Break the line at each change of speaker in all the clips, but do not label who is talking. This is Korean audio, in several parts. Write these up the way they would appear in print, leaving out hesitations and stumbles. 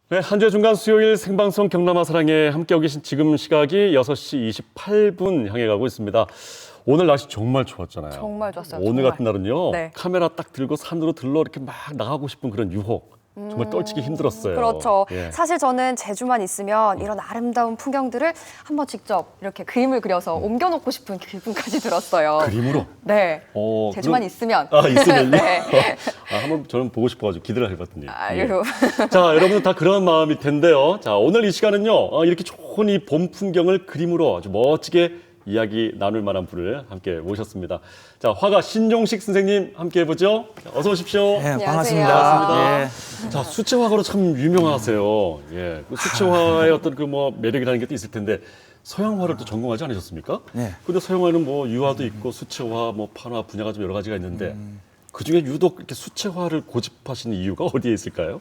네, 한 주의 중간 수요일 생방송 경남아 사랑에 함께하고 계신 지금 시각이 6시 28분 향해 가고 있습니다. 오늘 날씨 정말 좋았잖아요.
정말 좋았어요.
오늘
정말.
같은 날은요.
네.
카메라 딱 들고 산으로 들러 이렇게 막 나가고 싶은 그런 유혹. 정말 떨치기 힘들었어요.
그렇죠.
예.
사실 저는 제주만 있으면 이런 아름다운 풍경들을 한번 직접 이렇게 그림을 그려서 옮겨놓고 싶은 기분까지 들었어요.
그림으로?
네. 제주만
그럼-
있으면.
아, 있으면요?
네.
한번 저는 보고 싶어가지고 기대를 해봤더니.
아유.
자, 여러분들 다 그런 마음일 텐데요. 자, 오늘 이 시간은요. 이렇게 좋은 이 봄 풍경을 그림으로 아주 멋지게 이야기 나눌 만한 분을 함께 모셨습니다. 자, 화가 신종식 선생님 함께 해보죠. 자, 어서 오십시오.
네,
안녕하세요.
반갑습니다. 예.
자, 수채화가로 참 유명하세요. 예. 그 수채화의 어떤 그 뭐 매력이라는 게 또 있을 텐데 서양화를 또 전공하지 않으셨습니까?
네.
근데 서양화는 뭐 유화도 있고 수채화, 뭐 판화 분야가 좀 여러 가지가 있는데 그 중에 유독 이렇게 수채화를 고집하시는 이유가 어디에 있을까요?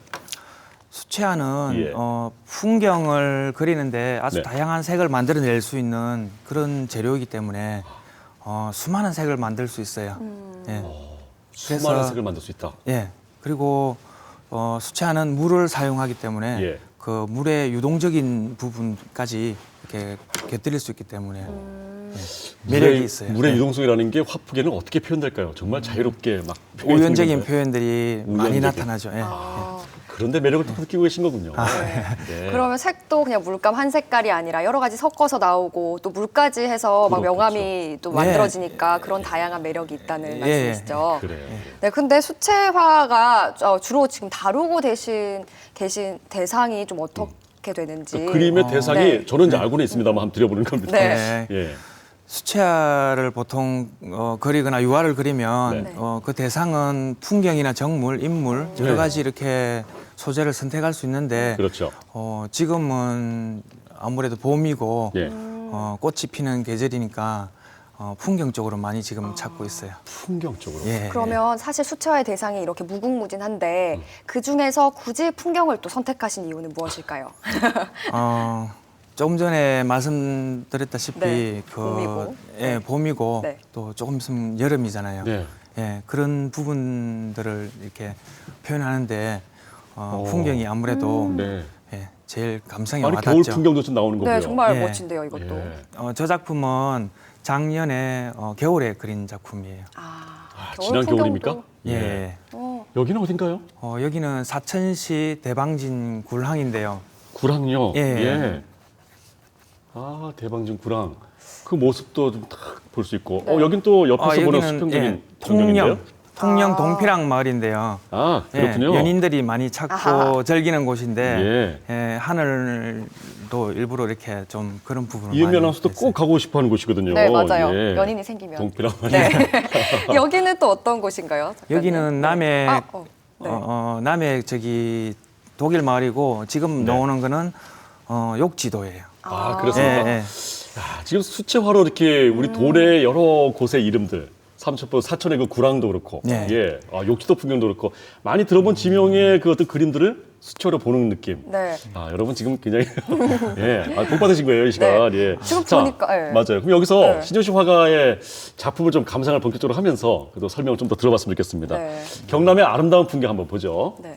수채화는
예.
풍경을 그리는데 아주
네.
다양한 색을 만들어낼 수 있는 그런 재료이기 때문에 수많은 색을 만들 수 있어요. 예.
수많은 색을 만들 수 있다.
예. 그리고 수채화는 물을 사용하기 때문에
예.
그 물의 유동적인 부분까지 이렇게 곁들일 수 있기 때문에 매력이 있어요.
물의
예.
유동성이라는 게 화풍에는 어떻게 표현될까요? 정말 자유롭게 막
우연적인
표현이
표현들이 많이
우연적인.
나타나죠. 예.
그런데 매력을 또 느끼고 계신 거군요.
아,
네.
그러면 색도 그냥 물감 한 색깔이 아니라 여러 가지 섞어서 나오고 또 물까지 해서 막
그렇겠죠.
명암이 또
예.
만들어지니까 그런 다양한 매력이 있다는 말씀이시죠.
그래요.
네, 근데 수채화가 주로 지금 다루고 계신 대상이 좀 어떻게 되는지.
그 그림의 대상이
네.
저는 이제 알고는 있습니다만 한번 드려보는 겁니다.
네.
예.
수채화를 보통 그리거나 유화를 그리면
네.
그 대상은 풍경이나 정물, 인물 여러
네.
가지 이렇게 소재를 선택할 수 있는데
그렇죠.
지금은 아무래도 봄이고
예.
꽃이 피는 계절이니까 풍경 쪽으로 많이 지금 찾고 있어요.
풍경 쪽으로.
예.
그러면 사실 수채화의 대상이 이렇게 무궁무진한데 그 중에서 굳이 풍경을 또 선택하신 이유는 무엇일까요?
조금 전에 말씀드렸다시피
네, 봄이고.
예, 봄이고
네.
또 조금 있으면 여름이잖아요.
네.
예, 그런 부분들을 이렇게 표현하는데 풍경이 아무래도
네.
예, 제일 감성이
아니
와닿죠.
겨울 풍경도 좀 나오는 거고요.
네, 정말
예.
멋진데요, 이것도.
예.
저 작품은 작년에 겨울에 그린 작품이에요.
지난 겨울입니까?
예.
여기는 어딘가요?
여기는 사천시 대방진 굴항인데요.
구랑요.
예.
아, 대방진 구랑. 그 모습도 좀 딱 볼 수 있고.
네.
여긴 또 옆에서 보는
여기는
수평적인 전경인데요.
통영 동피랑 마을인데요.
아, 그렇군요.
예, 연인들이 많이 찾고
아하.
즐기는 곳인데 하늘도 일부러 이렇게 좀 그런 부분을
이은미
많이
아나운서도
했어요.
꼭 가고 싶어 하는 곳이거든요.
네, 맞아요.
예.
연인이 생기면.
동피랑
네. 여기는 또 어떤 곳인가요? 작가님?
여기는 남해
네.
남해 독일 마을이고 지금
네.
나오는 거는 욕지도예요.
아, 그렇습니까?
예.
야, 지금 수채화로 이렇게 우리 도내 여러 곳의 이름들, 삼천포, 사천의 그 구랑도 그렇고,
네.
예, 욕지도 풍경도 그렇고, 많이 들어본 지명의 그 어떤 그림들을 수채화로 보는 느낌.
네.
여러분 지금 굉장히 복 받으신 거예요, 이 시간.
네.
예.
지금
자,
보니까, 예.
맞아요. 그럼 여기서
네.
신종식 화가의 작품을 좀 감상을 본격적으로 하면서 그래도 설명을 좀 더 들어봤으면 좋겠습니다.
네.
경남의 아름다운 풍경 한번 보죠.
네.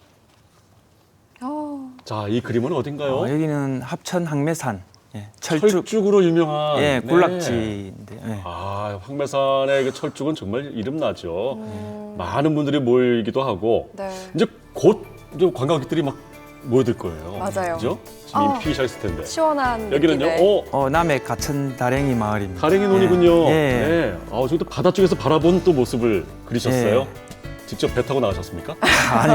자, 이 그림은 어딘가요?
여기는 합천 항매산 예,
철쭉으로 유명한
예,
네.
군락지인데요. 예.
황매산의 그 철쭉은 정말 이름나죠. 많은 분들이 모이기도 하고
네.
이제 곧 이제 관광객들이 막 모여들 거예요.
맞아요.
그죠? 지금 이미 피기 시작했을 텐데.
시원한
여기는요.
느낌의.
남해 가천 다랭이 마을입니다.
가랭이 논이군요.
예.
네. 저기 또 바다 쪽에서 바라본 또 모습을 그리셨어요.
예.
직접 배 타고 나가셨습니까?
아니,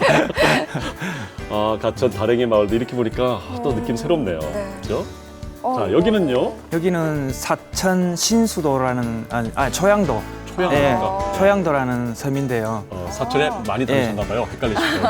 가천 다랭이 마을도 이렇게 보니까 또 느낌 새롭네요.
네.
그죠?
어,
자, 여기는요.
여기는 사천 신수도라는 초양도.
초양도.
예, 초양도라는 섬인데요.
사천에 많이 다니셨나 봐요. 헷갈리시죠?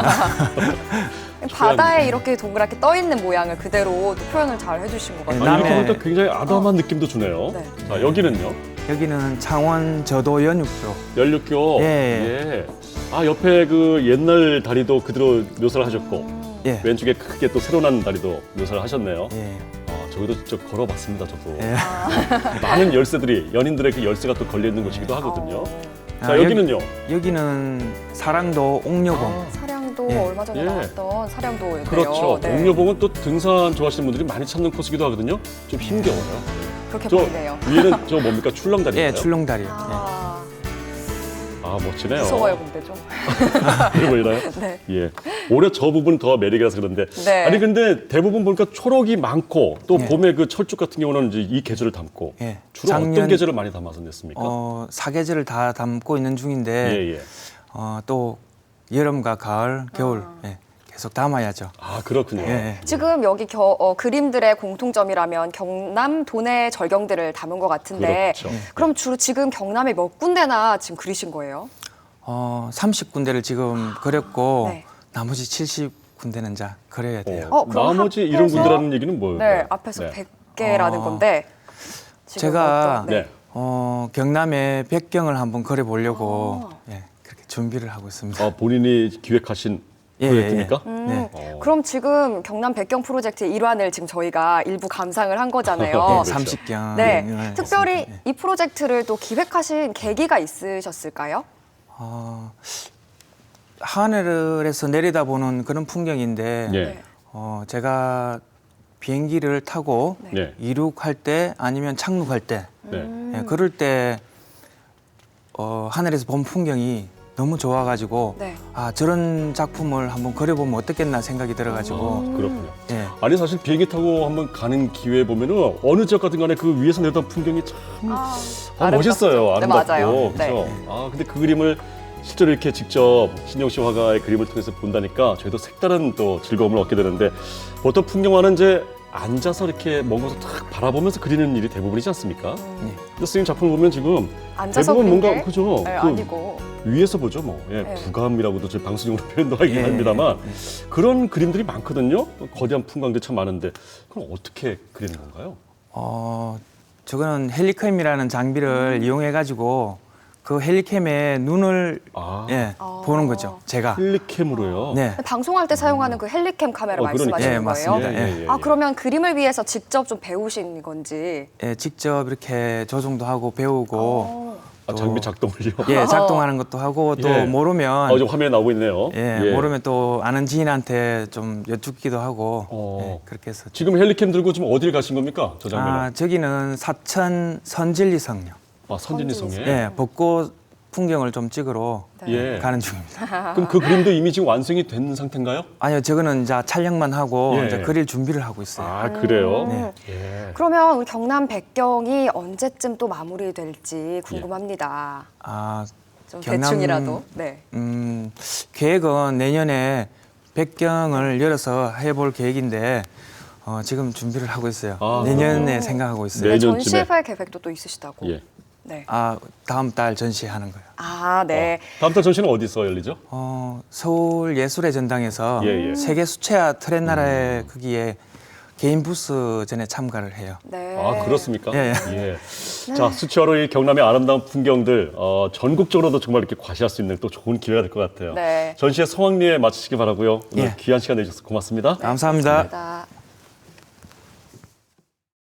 바다에 이렇게 동그랗게 떠 있는 모양을 그대로 또 표현을 잘 해주신 것 같아요.
이렇게
남해-
보니까 굉장히 아담한 느낌도 주네요.
네.
자, 여기는요.
여기는 창원 저도 연육교.
연륙교.
예.
옆에 그 옛날 다리도 그대로 묘사를 하셨고
예.
왼쪽에 크게 또 새로난 다리도 묘사를 하셨네요.
예.
저기도 직접 걸어봤습니다, 저도.
예.
많은 열쇠들이 연인들의 그 열쇠가 또 걸려 있는 곳이기도 하거든요. 자,
아,
여기는요.
여기는 사랑도 옥녀봉.
사량도
예.
얼마 전에
예.
나왔던 사령도인데요.
그렇죠.
네.
옥녀봉은 또 등산 좋아하시는 분들이 많이 찾는 코스기도 하거든요. 좀 힘겨워요.
그렇게
저
보이네요.
위에는 저 뭡니까? 출렁다리인가요?
예, 출렁다리. 예.
아,
멋지네요.
무서워요, 근데 좀.
이러고 있나요?
네.
예. 오히려 저 부분 더 매력이라서 그런데.
네.
아니 근데 대부분 보니까 초록이 많고 또
예.
봄에 그 철쭉 같은 경우는 이제 이 계절을 담고
예.
주로 어떤 계절을 많이 담아서 냈습니까?
사계절을 다 담고 있는 중인데
예, 예.
또 여름과 가을, 겨울 예, 계속 담아야죠.
아, 그렇군요.
예, 예.
지금 여기 그림들의 공통점이라면 경남 도내 절경들을 담은 것 같은데
그렇죠.
그럼 주로 지금 경남에 몇 군데나 지금 그리신 거예요?
30군데를 지금 그렸고
네.
나머지 70군데는 이제 그려야 돼요.
그럼
나머지
합해서-
이런 군데라는 얘기는 뭐예요?
네, 앞에서 100개라는 건데 지금
제가
어떤-
네.
경남의 백경을 한번 그려보려고 예, 그렇게 준비를 하고 있습니다.
본인이 기획하신
예,
프로젝트입니까?
네.
그럼 지금 경남 백경 프로젝트의 일환을 지금 저희가 일부 감상을 한 거잖아요.
그렇죠.
30경.
네, 특별히 이 프로젝트를 또 기획하신 계기가 있으셨을까요?
하늘에서 내려다보는 그런 풍경인데
예.
제가 비행기를 타고
네.
이륙할 때 아니면 착륙할 때
네.
예, 그럴 때 하늘에서 본 풍경이 너무 좋아가지고
네.
저런 작품을 한번 그려보면 어떻겠나 생각이 들어가지고
그렇군요.
예,
아니 사실 비행기 타고 한번 가는 기회 보면은 어느 지역 같은 간에 그 위에서 내던 풍경이 참 멋있어요.
아름답죠. 네,
아름답고.
맞아요.
그렇죠. 근데 그 그림을 실제로 이렇게 직접 신영식 화가의 그림을 통해서 본다니까 저희도 색다른 또 즐거움을 얻게 되는데 보통 풍경화는 이제 앉아서 이렇게 먼 곳을 탁 바라보면서 그리는 일이 대부분이지 않습니까? 근데 선생님 작품을 보면 지금
앉아서
대부분
그린
뭔가
게?
그죠?
네,
그
아니고
위에서 보죠, 뭐. 예,
네.
부감이라고도 저희 방송용으로 표현도 하긴
예,
합니다만 그런 그림들이 많거든요. 거대한 풍광들 참 많은데 그럼 어떻게 그리는 건가요?
저거는 헬리캠이라는 장비를 이용해가지고 그 헬리캠의 눈을 예, 보는 거죠. 제가.
헬리캠으로요.
네.
방송할 때 사용하는 그 헬리캠 카메라
그러니까.
말씀하시는
예,
거예요?
맞습니다. 예.
그러면 그림을 위해서 직접 좀 배우신 건지.
예, 직접 이렇게 조정도 하고 배우고
장비 작동을요.
예, 작동하는 것도 하고 또
예.
모르면
지금 화면에 나오고 있네요.
예, 모르면 또 아는 지인한테 좀 여쭙기도 하고 예, 그렇게 해서
지금 헬리캠 들고 지금 어딜 가신 겁니까? 저 장면은.
저기는 사천 선진리성요.
선진리성에.
예, 벚꽃 풍경을 좀 찍으러
예.
가는 중입니다.
그럼 그 그림도 이미 지금 완성이 된 상태인가요?
아니요, 저거는 이제 촬영만 하고
예.
이제 그릴 준비를 하고 있어요.
그래요?
네.
예.
그러면 우리 경남 백경이 언제쯤 또 마무리될지 궁금합니다. 좀
경남-
대충이라도. 네.
계획은 내년에 백경을 열어서 해볼 계획인데 지금 준비를 하고 있어요. 내년에 생각하고 있어요.
네.
네,
내년쯤에.
전시회 계획도 또 있으시다고.
예.
네.
다음 달 전시하는 거예요.
네.
다음 달 전시는 어디서 열리죠?
서울 예술의 전당에서
예, 예.
세계 수채화 트렌나라의 거기에 개인 부스 전에 참가를 해요.
네.
그렇습니까?
예,
예. 자, 수채화로 이 경남의 아름다운 풍경들 전국적으로도 정말 이렇게 과시할 수 있는 또 좋은 기회가 될 것 같아요.
네.
전시회 성황리에 마치시기 바라고요. 오늘
예.
귀한 시간 내주셔서 고맙습니다.
감사합니다.
감사합니다.